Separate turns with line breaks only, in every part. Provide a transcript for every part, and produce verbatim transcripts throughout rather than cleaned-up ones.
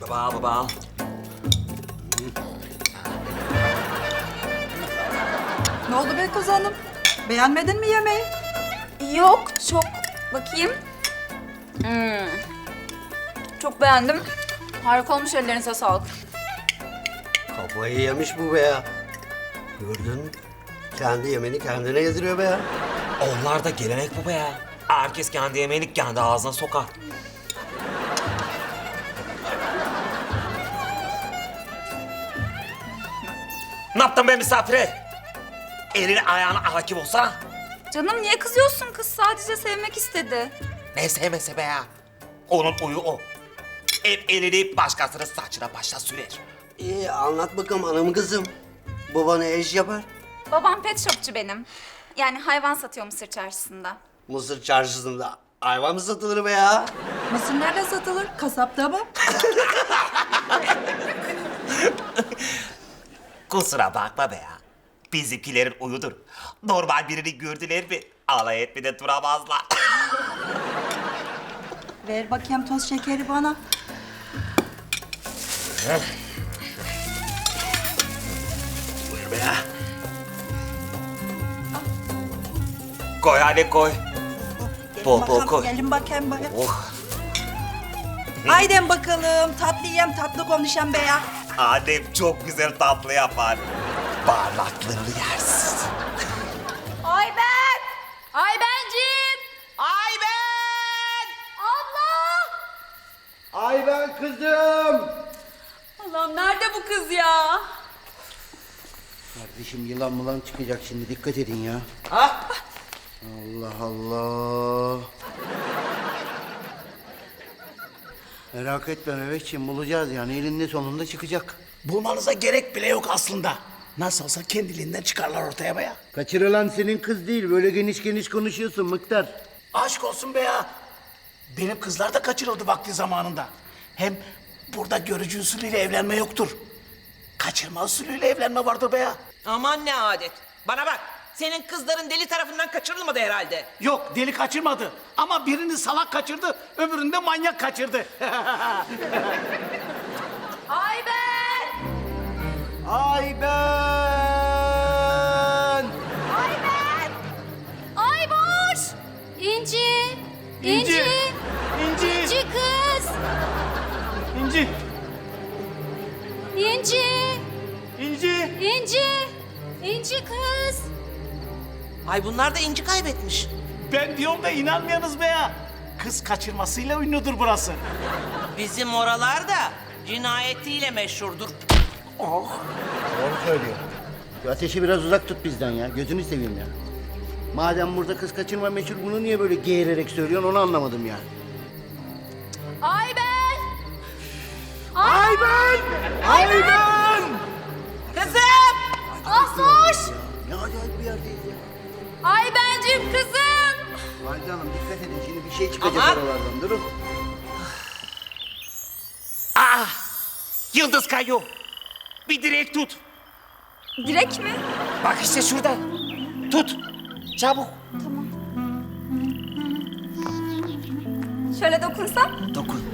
Baba baba.
Ne oldu be kız hanım? Beğenmedin mi yemeği?
Yok, çok. Bakayım. Hmm. Çok beğendim. Harika olmuş, ellerinize sağlık.
Kafayı yemiş bu be ya. Gördün mü? Kendi yemeğini kendine yediriyor be ya.
Onlar da gelenek baba ya. Herkes kendi yemeğini kendi ağzına sokar. Ne yaptın be misafire? Elini ayağına hakim olsana.
Canım niye kızıyorsun? Kız sadece sevmek istedi.
Ne sevmese be ya. Onun uyu o. Hep elini başkasının saçına başına sürer.
İyi anlat bakalım hanım kızım. Baba ne iş yapar?
Babam pet shopçu benim. Yani hayvan satıyor Mısır çarşısında.
Mısır çarşısında hayvan mı satılır be ya?
Mısır nerede satılır? Kasapta mı?
Kusura bakma be ya. Bizimkilerin uyudur. Normal birini gördüler mi alay etmeden duramazlar.
Ver bakayım toz şekeri bana.
Buyur be ya.
Koy hadi koy.
Gelin
Bol bol
bakalım,
koy.
Gelin bakayım bakayım.
Oh.
Haydi bakalım tatlı yiyem tatlı konuşayım be ya.
Annem çok güzel tatlı yapar. Barnaklarını yersin.
Ayben! Aybencim! Ayben! Abla!
Ay ben kızım.
Allah'ım nerede bu kız ya?
Kardeşim yılan mılan çıkacak şimdi dikkat edin ya. Ha? Allah Allah. Merak etme Mehmetciğim bulacağız yani elinde sonunda çıkacak.
Bulmanıza gerek bile yok aslında. Nasıl olsa kendiliğinden çıkarlar ortaya be ya.
Kaçırılan senin kız değil böyle geniş geniş konuşuyorsun Mıktar.
Aşk olsun be ya. Benim kızlar da kaçırıldı vakti zamanında. Hem burada görücü usulüyle evlenme yoktur. Kaçırma usulüyle evlenme vardır be ya.
Aman ne adet. Bana bak. Senin kızların deli tarafından kaçırılmadı herhalde.
Yok deli kaçırmadı. Ama birini salak kaçırdı, öbürünü de manyak kaçırdı.
Ayben!
Ay ben.
Ayben! Ayboş! İnci!
İnci! İnci!
İnci kız!
İnci!
İnci!
İnci!
İnci! İnci kız!
Ay bunlar da inci kaybetmiş.
Ben diyorum da inanmıyorsunuz be ya. Kız kaçırmasıyla ünlüdür burası.
Bizim oralar da cinayetiyle meşhurdur.
Doğru söylüyor. Şu ateşi biraz uzak tut bizden ya gözünü seveyim ya. Madem burada kız kaçırma meşhur bunu niye böyle geğirerek söylüyorsun onu anlamadım ya.
Ayben!
Ayben! Ayben!
Kızım!
Ahmoş!
Ne acayip bir yerdeyiz ya.
Aybencim kızım!
Valide Hanım dikkat edin şimdi bir şey çıkacak
Aman!
oralardan durun.
Ah! Yıldız kayıyor. Bir direk tut.
Direk mi?
Bak işte şurada. Tut. Çabuk.
Şöyle dokunsam?
Dokun.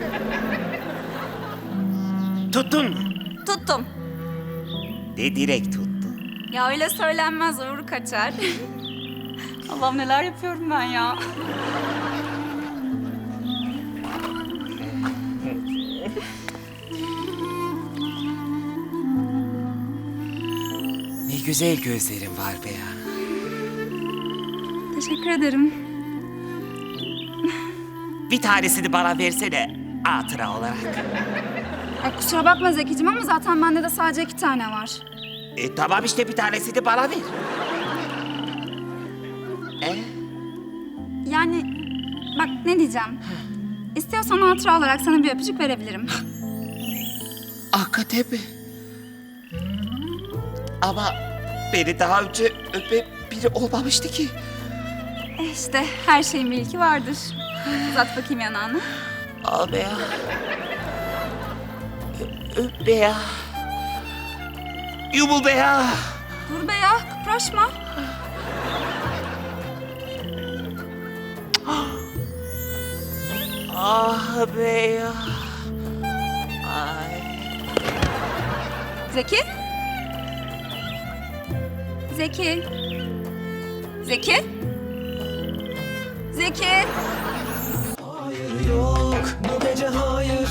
Tuttun mu?
Tuttum.
Ne direk tuttu?
Ya öyle söylenmez, uğur kaçar. Allah'ım neler yapıyorum ben ya.
Ne güzel gözlerin var be ya.
Teşekkür ederim.
Bir tanesini bana versene hatıra olarak.
Ay, kusura bakma Zekicim ama zaten bende de sadece iki tane var.
E tamam işte bir tanesini bana ver. E?
Yani bak ne diyeceğim. İstiyorsan hatıra olarak sana bir öpücük verebilirim.
Hakikaten mi? Ama beni daha önce öpen biri olmamıştı ki.
E işte her şeyin bir ilki vardır. Uzat bakayım yanağını.
Al be ya. Ö- öp be ya. Yumul be ya.
Dur be ya, kıpraşma.
Ah be ya. Ay.
Zeki? Zeki? Zeki? Zeki?
Hayır yok bu gece hayır